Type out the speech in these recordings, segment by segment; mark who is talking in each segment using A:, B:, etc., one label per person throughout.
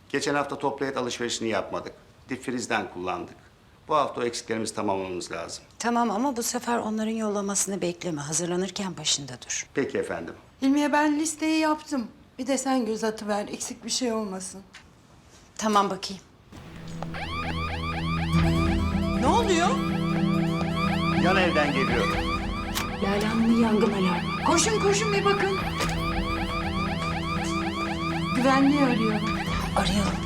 A: Geçen hafta toplu et alışverişini yapmadık. Dip frizden kullandık. Bu hafta o eksiklerimizi tamamlamamız lazım.
B: Tamam ama bu sefer onların yollamasını bekleme. Hazırlanırken başında dur.
A: Peki efendim.
C: Hilmiye ben listeyi yaptım. Bir de sen göz atıver, eksik bir şey olmasın.
B: Tamam bakayım.
C: Ne oluyor?
A: Yan evden geliyor.
B: Lale Hanım'ın yangın alarmı.
C: Koşun koşun bir bakın. Güvenliği arıyorum.
B: Arayalım.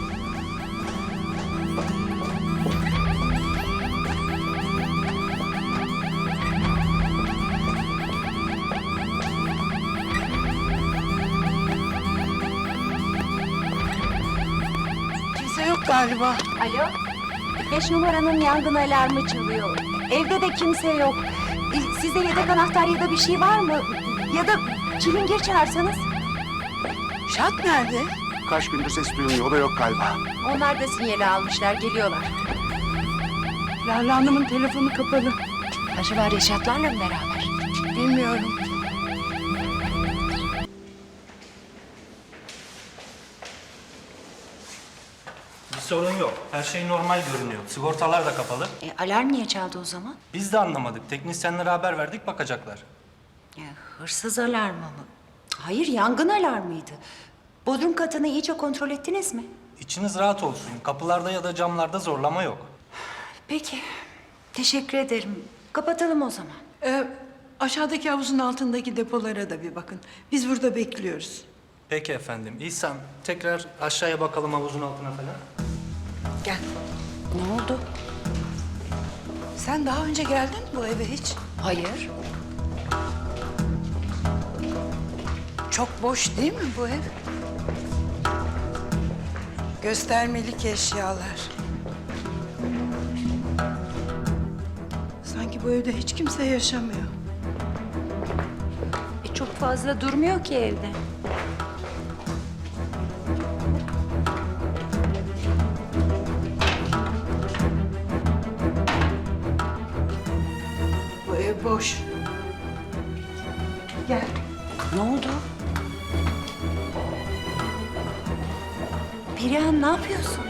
C: Kimse yok galiba.
D: Alo? 5 numaranın yangın alarmı çalıyor. Evde de kimse yok. Sizde yedek anahtar ya da bir şey var mı? Ya da çilingir çağırsanız.
C: Şat nerede?
A: Kaç gündür ses duyulmuyor. O da yok galiba.
D: Onlar da sinyali almışlar, geliyorlar.
C: Lale Hanım'ın telefonu kapalı.
D: Acaba Reşatlarla mı beraber?
C: Bilmiyorum.
E: Bir sorun yok. Her şey normal görünüyor. Sigortalar da kapalı.
B: Alarm niye çaldı o zaman?
E: Biz de anlamadık. Teknisyenlere haber verdik, bakacaklar.
B: Hırsız alarmı mı? Hayır, yangın alarmıydı. Bodrum katını iyice kontrol ettiniz mi?
E: İçiniz rahat olsun. Kapılarda ya da camlarda zorlama yok.
B: Peki, teşekkür ederim. Kapatalım o zaman.
C: Aşağıdaki havuzun altındaki depolara da bir bakın. Biz burada bekliyoruz.
E: Peki efendim. İhsan, tekrar aşağıya bakalım havuzun altına falan.
C: Gel.
B: Ne oldu?
C: Sen daha önce geldin mi bu eve hiç?
B: Hayır.
C: Çok boş değil mi bu ev? Göstermelik eşyalar. Sanki bu evde hiç kimse yaşamıyor.
D: Çok fazla durmuyor ki evde.
C: Bu ev boş. Gel.
B: Ne oldu? Perihan, ne yapıyorsun?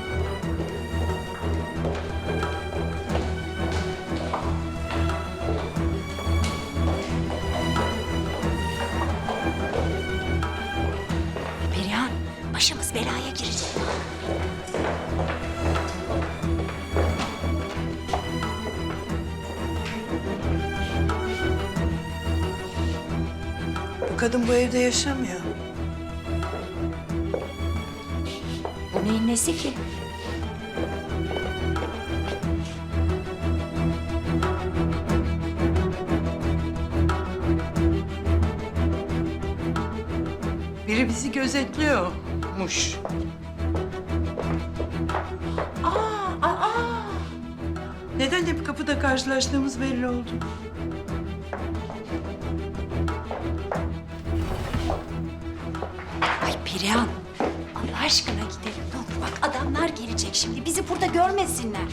B: Perihan, başımız belaya girecek.
C: Bu kadın bu evde yaşamıyor.
B: Bu neyin nesi ki?
C: Biri bizi gözetliyormuş. Neden hep kapıda karşılaştığımız belli oldu.
B: Ay Perihan, Allah aşkına gidelim. Ne olur bak, adamlar gelecek şimdi. Bizi burada görmesinler.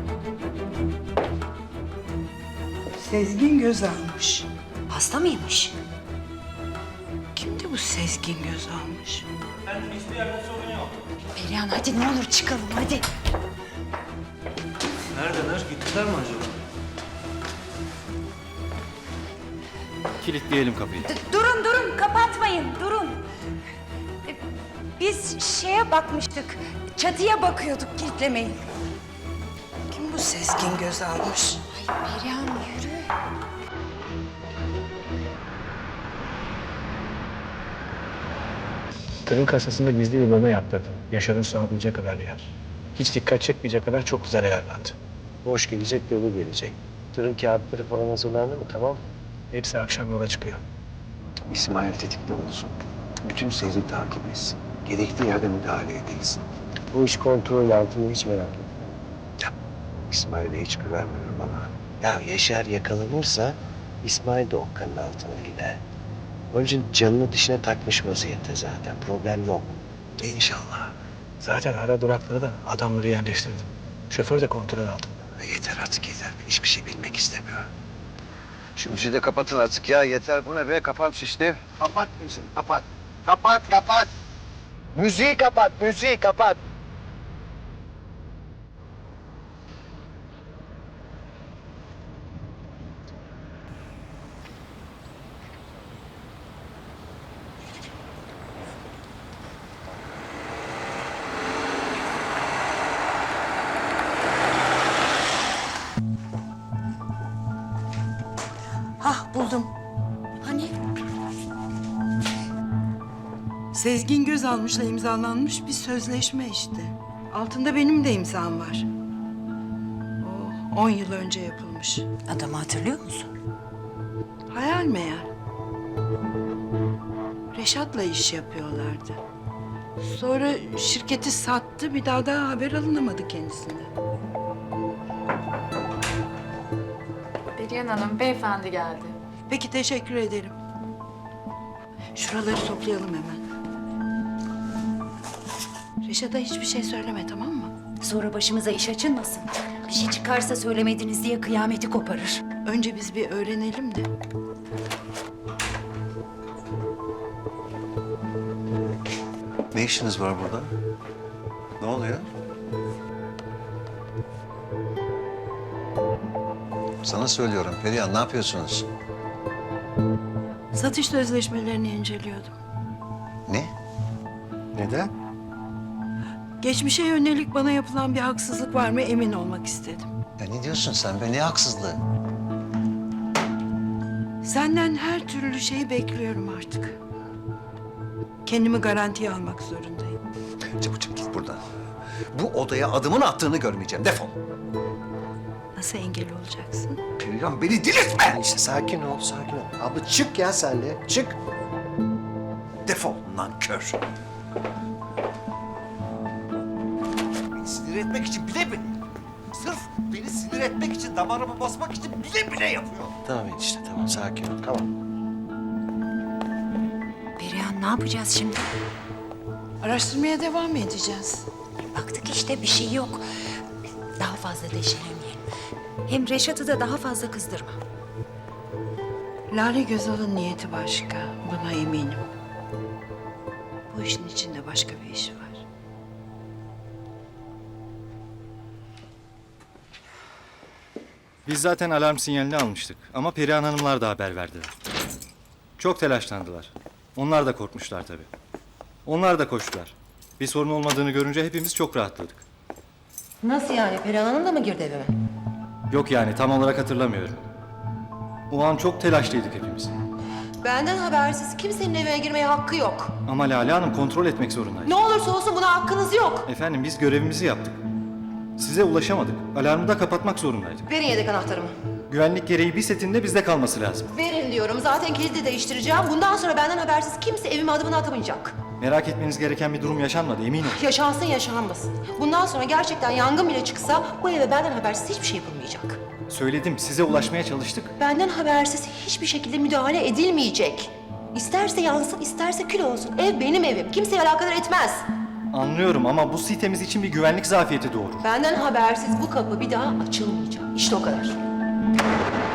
C: Sezgin göz almış.
B: Hasta mıymış?
C: Kimdi bu Sezgin göz almış?
E: Efendim, hiçbir yerde sorun yok.
B: Perihan hadi ne olur çıkalım hadi.
E: Neredeler? Gittiler mi acaba?
F: Kilitleyelim kapıyı.
D: Durun, durun, kapatmayın, durun. Biz şeye bakmıştık, çatıya bakıyorduk, kilitlemeyin.
C: Kim bu Sezgin göz almış?
B: Perihan yürü.
G: Tırın kasasında gizli bir bölme yaptırdım. Yaşar'ın sığabileceği kadar yer. Hiç dikkat çekmeyecek kadar çok güzel ayarlandı.
H: Boş gelecek, dolu gelecek. Tırın kağıtları falan hazırlandı mı, tamam mı?
G: Hepsi akşam yola çıkıyor.
H: İsmail tetikte olsun. Bütün seyri takip etsin. Gerektiği yerde müdahale edilsin. Bu iş kontrol altında, hiç merak etme. Ya, İsmail'e hiç güvenmiyorum ama. Ya Yaşar yakalanırsa İsmail de okkanın altına gider. Onun için canını dişine takmış vaziyette zaten. Problem yok. İnşallah.
G: Zaten ara duraklara da adamları yerleştirdim. Şoför de kontrol altında.
H: Yeter artık yeter. Ben hiçbir şey bilmek istemiyorum. Şu müziği de kapatın artık ya. Yeter, bu ne be? Kapat işte. Kapat müziği, kapat. Kapat. Müziği kapat, müziği kapat.
C: Sezgin Gözalmış'la imzalanmış bir sözleşme işte. Altında benim de imzam var. O 10 yıl önce yapılmış.
B: Adamı hatırlıyor musun?
C: Hayal meyal. Reşat'la iş yapıyorlardı. Sonra şirketi sattı, bir daha da haber alınamadı kendisinden.
F: Perihan Hanım, beyefendi geldi.
C: Peki, teşekkür ederim. Şuraları toplayalım hemen. Reşat'a hiçbir şey söyleme, tamam mı?
B: Sonra başımıza iş açılmasın. Bir şey çıkarsa söylemediniz diye kıyameti koparır.
C: Önce biz bir öğrenelim de.
I: Ne işiniz var burada? Ne oluyor? Sana söylüyorum Perihan, ne yapıyorsunuz?
C: Satış sözleşmelerini inceliyordum.
I: Ne?
H: Neden?
C: Geçmişe yönelik bana yapılan bir haksızlık var mı emin olmak istedim.
I: Ya ne diyorsun sen be? Ne haksızlığı?
C: Senden her türlü şeyi bekliyorum artık. Kendimi garantiye almak zorundayım.
I: Çabuk git buradan. Bu odaya adımın attığını görmeyeceğim. Defol.
C: Nasıl engel olacaksın?
I: Perihan beni delirtme!
H: İşte sakin ol, sakin ol. Abla çık ya sen de, çık.
I: Defol nankör. Beni sinir etmek için bile bile. Sırf beni sinir etmek için, damarımı basmak için bile bile yapıyor.
H: Tamam enişte, tamam sakin ol, tamam.
B: Perihan ne yapacağız şimdi?
C: Araştırmaya devam edeceğiz.
B: Baktık işte bir şey yok. Daha fazla deşelemeyelim. Hem Reşat'ı da daha fazla kızdırma.
C: Lale Gözal'ın niyeti başka, buna eminim. Bu işin içinde başka bir iş var.
J: Biz zaten alarm sinyalini almıştık ama Perihan Hanımlar da haber verdiler. Çok telaşlandılar. Onlar da korkmuşlar tabii. Onlar da koştular. Bir sorun olmadığını görünce hepimiz çok rahatladık.
K: Nasıl yani? Perihan Hanım da mı girdi evime?
J: Yok yani tam olarak hatırlamıyorum. O an çok telaşlıydık hepimiz.
K: Benden habersiz kimsenin evine girmeye hakkı yok.
J: Ama Lale Hanım kontrol etmek zorundaydı.
K: Ne olursa olsun buna hakkınız yok.
J: Efendim biz görevimizi yaptık. Size ulaşamadık. Alarmı da kapatmak zorundaydık.
K: Verin yedek anahtarımı.
J: Güvenlik gereği bir setinde bizde kalması lazım.
K: Verin diyorum. Zaten kilidi değiştireceğim. Bundan sonra benden habersiz kimse evime adımını atamayacak.
J: Merak etmeniz gereken bir durum yaşanmadı eminim.
K: Yaşansın yaşanmasın. Bundan sonra gerçekten yangın bile çıksa bu eve benden habersiz hiçbir şey yapılmayacak.
J: Söyledim size ulaşmaya çalıştık.
K: Benden habersiz hiçbir şekilde müdahale edilmeyecek. İsterse yansın, isterse kül olsun. Ev benim evim. Kimseyi alakadar etmez.
J: Anlıyorum ama bu sitemiz için bir güvenlik zafiyeti doğurur.
K: Benden habersiz bu kapı bir daha açılmayacak. İşte o kadar.